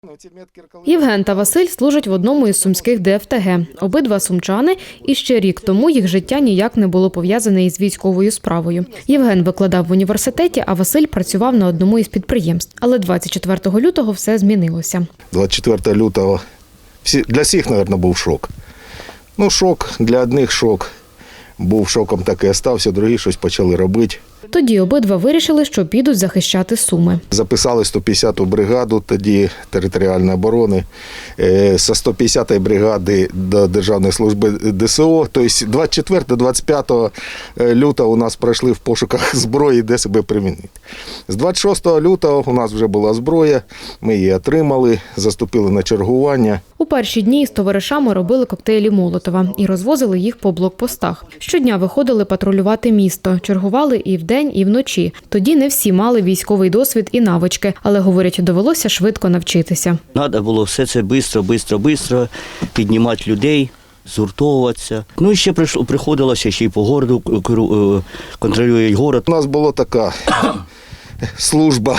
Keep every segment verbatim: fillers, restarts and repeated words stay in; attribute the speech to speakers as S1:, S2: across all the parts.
S1: Євген та Василь служать в одному із сумських де еф те ге. Обидва сумчани, і ще рік тому їх життя ніяк не було пов'язане із військовою справою. Євген викладав в університеті, а Василь працював на одному із підприємств. Але двадцять четвертого лютого все змінилося.
S2: двадцять четвертого лютого всі, для всіх, мабуть, був шок. Ну, шок, для одних шок. Був шоком, так і стався, другі щось почали робити.
S1: Тоді обидва вирішили, що підуть захищати Суми.
S2: Записали сто п'ятдесяту бригаду тоді територіальної оборони, зі сто п'ятдесятої бригади до Державної служби де ес о. Тобто двадцять четвертого - двадцять п'ятого лютого у нас пройшли в пошуках зброї, де себе примінити. З двадцять шостого лютого у нас вже була зброя, ми її отримали, заступили на чергування.
S1: У перші дні з товаришами робили коктейлі Молотова і розвозили їх по блокпостах. Щодня виходили патрулювати місто, чергували і вдень, і вночі. Тоді не всі мали військовий досвід і навички, але, говорять, довелося швидко навчитися.
S3: Треба було все це швидко, швидко, швидко піднімати людей, згуртовуватися. Ну і ще приходилося ще й по городу контролюють город.
S2: У нас була така служба.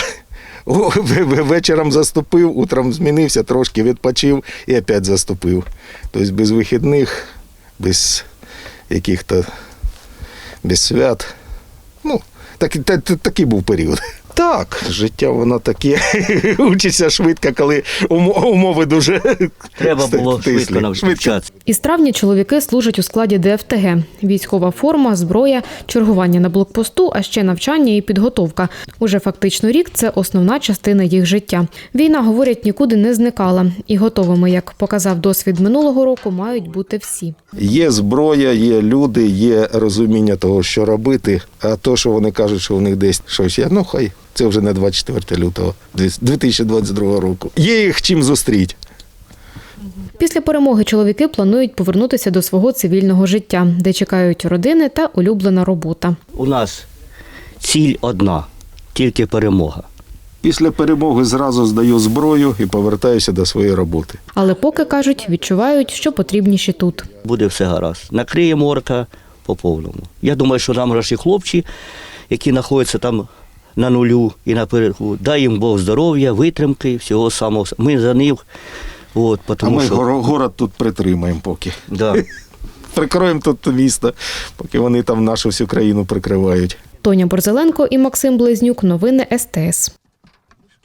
S2: Вечором заступив, утром змінився, трошки відпочив і опять заступив. Тобто без вихідних, без яких-то, без свят. Ну, так, так, такий був період. Так, життя воно таке, учиться швидко, коли умови дуже
S3: треба було швидко навчатися.
S1: Із травня чоловіки служать у складі де еф те ге. Військова форма, зброя, чергування на блокпосту, а ще навчання і підготовка. Уже фактично рік – це основна частина їх життя. Війна, говорять, нікуди не зникала. І готовими, як показав досвід минулого року, мають бути всі.
S2: Є зброя, є люди, є розуміння того, що робити. А то, що вони кажуть, що у них десь щось є, ну хай. Це вже не двадцять четвертого лютого дві тисячі двадцять другого року. Є їх чим зустріти.
S1: Після перемоги чоловіки планують повернутися до свого цивільного життя, де чекають родини та улюблена робота.
S3: У нас ціль одна – тільки перемога.
S2: Після перемоги зразу здаю зброю і повертаюся до своєї роботи.
S1: Але поки, кажуть, відчувають, що потрібніші тут.
S3: Буде все гаразд. Накриємо орка по повному. Я думаю, що нам наші хлопці, які знаходяться там на нулю і напередку, дай їм Бог здоров'я, витримки, всього самого. Ми за них. От,
S2: а ми
S3: що...
S2: город тут притримаємо поки.
S3: Да.
S2: Прикроємо тут місто, поки вони там нашу всю країну прикривають.
S1: Тоня Борзеленко і Максим Близнюк. Новини ес те ес.